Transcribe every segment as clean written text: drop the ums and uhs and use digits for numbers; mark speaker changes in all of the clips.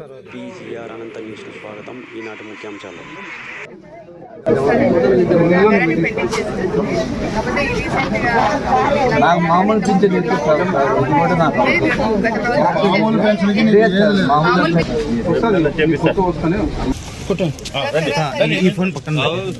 Speaker 1: PGR అనంత న్యూస్కు స్వాగతం. ఈనాటి ముఖ్యాంశాలు.
Speaker 2: నాకు మామూలు పింఛన్ ఇప్పిస్తారు సార్, ఇది కూడా నాకు మామూలు పెన్షన్ ఈ ఫోన్ పక్కన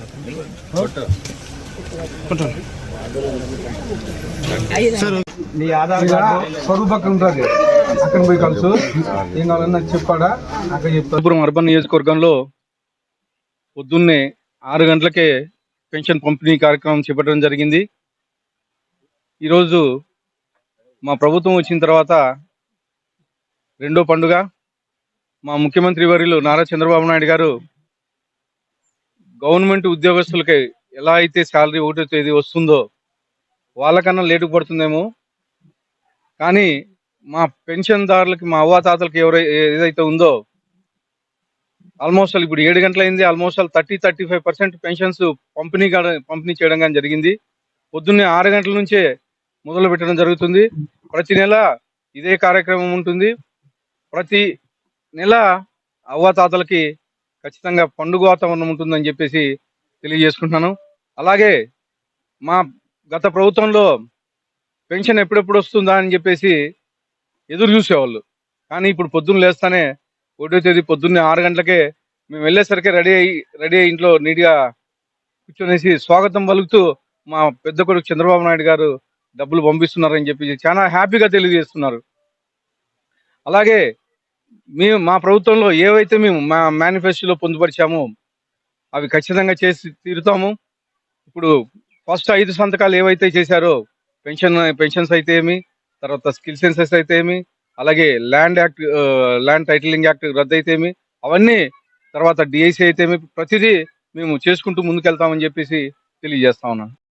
Speaker 2: సార్ నీ ఆధార్ కార్డు స్వరూప్ పక్కన ఉంటుంది, అక్కడ పోయి కలుసు. ఏం కావాలన్నా చెప్పాడా అక్కడ చెప్తాను.
Speaker 3: అర్బన్ నియోజకవర్గంలో పొద్దున్నే 6 గంటలకే పెన్షన్ పంపిణీ కార్యక్రమం చేపట్టడం జరిగింది. ఈరోజు మా ప్రభుత్వం వచ్చిన తర్వాత రెండో పండుగ. మా ముఖ్యమంత్రి వర్యులు నారా చంద్రబాబు నాయుడు గారు గవర్నమెంట్ ఉద్యోగస్తులకి ఎలా అయితే శాలరీ 1వ తేదీ వస్తుందో వాళ్ళకన్నా లేటుకు పడుతుందేమో, కానీ మా పెన్షన్దారులకి, మా అవ్వాతాతలకి ఏదైతే ఉందో ఆల్మోస్ట్ ఇప్పుడు 7 గంటలైంది. ఆల్మోస్ట్ 30-35% పెన్షన్స్ పంపిణీ చేయడం కానీ జరిగింది. పొద్దున్నే 6 గంటల నుంచే మొదలు పెట్టడం జరుగుతుంది. ప్రతి నెల ఇదే కార్యక్రమం ఉంటుంది. ప్రతి నెల అవ్వాతాతలకి ఖచ్చితంగా పండుగ వాతావరణం ఉంటుందని చెప్పేసి తెలియజేసుకుంటున్నాను. అలాగే మా గత ప్రభుత్వంలో పెన్షన్ ఎప్పుడెప్పుడు వస్తుందా అని చెప్పేసి ఎదురు చూసేవాళ్ళు, కానీ ఇప్పుడు పొద్దున్న లేస్తానే 1వ తేదీ పొద్దున్నే 6 గంటలకే మేము వెళ్ళేసరికి రెడీ అయ్యి ఇంట్లో నీట్గా కూర్చొనేసి స్వాగతం పలుకుతూ మా పెద్ద కొడుకు చంద్రబాబు నాయుడు గారు డబ్బులు పంపిస్తున్నారని చెప్పి చాలా హ్యాపీగా తెలియజేస్తున్నారు. అలాగే మా ప్రభుత్వంలో ఏవైతే మేము మా మేనిఫెస్టోలో పొందుపరిచామో అవి ఖచ్చితంగా చేసి తీరుతాము. ఇప్పుడు ఫస్ట్ 5 సంతకాలు ఏవైతే చేశారో పెన్షన్స్ అయితే ఏమి, తర్వాత స్కిల్ సెన్సెస్ అయితే ఏమి, అలాగే ల్యాండ్ టైటిలింగ్ యాక్ట్ రద్దు అయితే ఏమి, అవన్నీ తర్వాత డిఐసి అయితే ఏమి, ప్రతిదీ మేము చేసుకుంటూ ముందుకెళ్తామని చెప్పేసి తెలియజేస్తా ఉన్నాను.